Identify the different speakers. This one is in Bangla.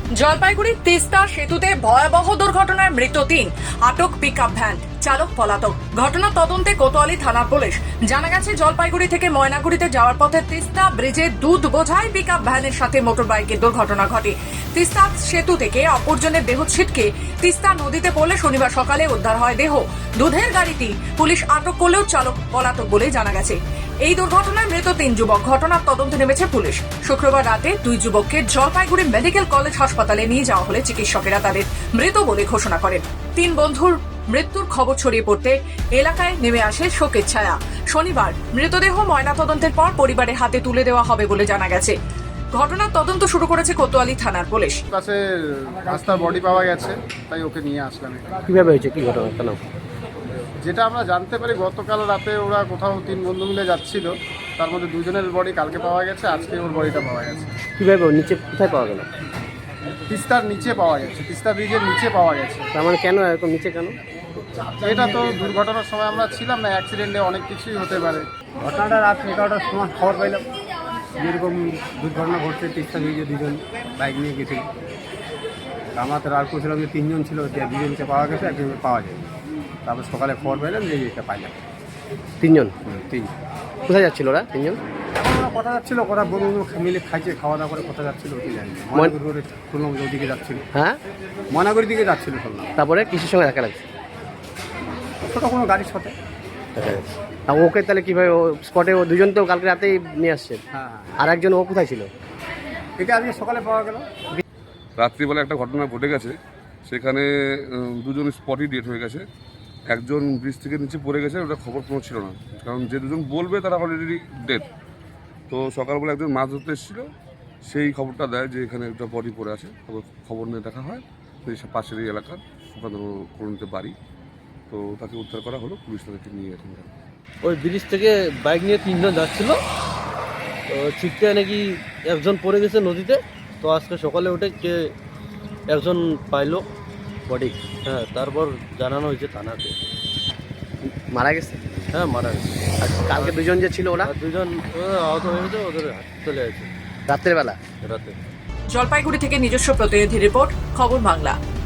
Speaker 1: জলপাইগুড়ির তিস্তা সেতুতে ভয়াবহ দুর্ঘটনায় মৃত ৩, আটক পিকআপ ভ্যান চালক পলাতক। ঘটনা তদন্তে কোতোয়ালি থানার পুলিশ। জানা গেছে জলপাইগুড়ি থেকে ময়নাগুড়িতে যাওয়ার পথে তিস্তা ব্রিজে দুধ বোঝাই পিকআপ ভ্যানের সাথে মোটর বাইকের দুর্ঘটনা ঘটে। তিস্তা সেতু থেকে অপরজনের দেহ ছিটকে তিস্তা নদীতে পড়লে শনিবার সকালে উদ্ধার হয় দেহ। দুধের গাড়িটি পুলিশ আটক করলেও চালক পলাতক বলে জানা গেছে। এই দুর্ঘটনায় মৃত ৩ যুবক। ঘটনার তদন্তে নেমেছে পুলিশ। শুক্রবার রাতে 2 যুবককে জলপাইগুড়ি মেডিকেল কলেজ হাসপাতালে নিয়ে যাওয়া হলে চিকিৎসকেরা তাদের মৃত বলে ঘোষণা করেন। ৩ বন্ধুর মৃত্যুর খবর ছড়িয়ে পড়তে এলাকায় নেমে আসে শোকের ছায়া। শনিবার মৃতদেহ ময়নাতদন্তের পর পরিবারের হাতে তুলে দেওয়া হবে বলে জানা গেছে। ঘটনার তদন্ত শুরু করেছে কোতোয়ালি থানার পুলিশ।
Speaker 2: কাছে রাস্তার বডি পাওয়া গেছে, তাই ওকে নিয়ে আসলাম।
Speaker 3: কিভাবে হয়েছে, কি ঘটনা কেন?
Speaker 2: যেটা আমরা জানতে পারি, গতকাল রাতে ওরা কোথাও 3 বন্ধু মিলে যাচ্ছিল, তার মধ্যে 2 জনের বডি কালকে পাওয়া গেছে, আজকে ওর বডিটা পাওয়া গেছে।
Speaker 3: কিভাবে নিচে কোথায় পাওয়া গেল?
Speaker 2: তিস্তার নিচে পাওয়া গেছে, তিস্তা ব্রিজের নিচে পাওয়া গেছে।
Speaker 3: তার মানে কেন এরকম নিচে কেন?
Speaker 2: এটা তো দুর্ঘটনার সময় আমরা ছিলাম না, অ্যাক্সিডেন্টে অনেক কিছুই হতে পারে।
Speaker 4: ঘটনাটা রাত 11টার সময় খবর পাইলাম যেরকম দুর্ঘটনা ঘটছে। তিস্তা ব্রিজে 2 জন বাইক নিয়ে গেছিল। আমরা তো আর করছিলাম যে 3 জন ছিল, যে 2 জনকে পাওয়া গেছে, একজনকে পাওয়া যায়। তারপর সকালে খবর পাইলাম যে এটা পাইলাম।
Speaker 3: 3 জন?
Speaker 4: 3।
Speaker 3: কোথায় যাচ্ছিল ওরা 3 জন?
Speaker 4: এখন ওরা কথা যাচ্ছিল, ওরা বন্ধু মিলে খাইছে, খাওয়া দাওয়া করে কথা যাচ্ছিল। ওটি জানি ময়নাগুড়ি রোডে শুনলাম যে ওদিকে যাচ্ছিল।
Speaker 3: হ্যাঁ,
Speaker 4: ময়নাগুড়ির দিকে যাচ্ছিল শুনলাম।
Speaker 3: তারপরে কিসের সঙ্গে দেখা লাগছে?
Speaker 4: ছোটো কোনো গাড়ির সাথে।
Speaker 3: আর ওকে তাহলে কিভাবে স্পটে? ও 2 জন তো কালকে রাতেই নিয়ে আসছে।
Speaker 4: হ্যাঁ,
Speaker 3: আর একজন ও কোথায় ছিল?
Speaker 4: এটা আজকে সকালে পাওয়া গেল।
Speaker 5: রাত্রিবেলা একটা ঘটনা ঘটে গেছে, সেখানে 2 জন স্পটই ডেট হয়ে গেছে। একজন ব্রিজ থেকে নিচে পড়ে গেছে, ওটা খবর কোনো ছিল না, কারণ যে 2 জন বলবে তারা অলরেডি ডেট। তো সকালবেলা একজন মাছ ধরতে এসেছিল, সেই খবরটা দেয় যে এখানে একটা বডি পড়ে আছে। খবর নিয়ে দেখা হয়, তো এই পাশের এই এলাকার সুকান্ত করণীতে বাড়ি। তো তাকে উদ্ধার করা হলো, পুলিশ তাদেরকে নিয়ে এখন গেল।
Speaker 6: ওই ব্রিজ থেকে বাইক নিয়ে 3 জন যাচ্ছিল, তো ছিটকে নাকি একজন পড়ে গেছে নদীতে। তো আজকে সকালে উঠে কে একজন পাইলো বডি। হ্যাঁ, তারপর জানানো হয়েছে থানাতে।
Speaker 3: মারা গেছে?
Speaker 6: হ্যাঁ, মারা গেছে।
Speaker 3: আর কালকে 2 জন যে ছিল ওরা?
Speaker 6: আর 2 জন আহত হয়েছে, ওদের চলে আছে
Speaker 3: রাত্রের বেলা।
Speaker 6: রাতে।
Speaker 1: জলপাইগুড়ি থেকে নিজস্ব প্রতিনিধি রিপোর্ট, খবর বাংলা।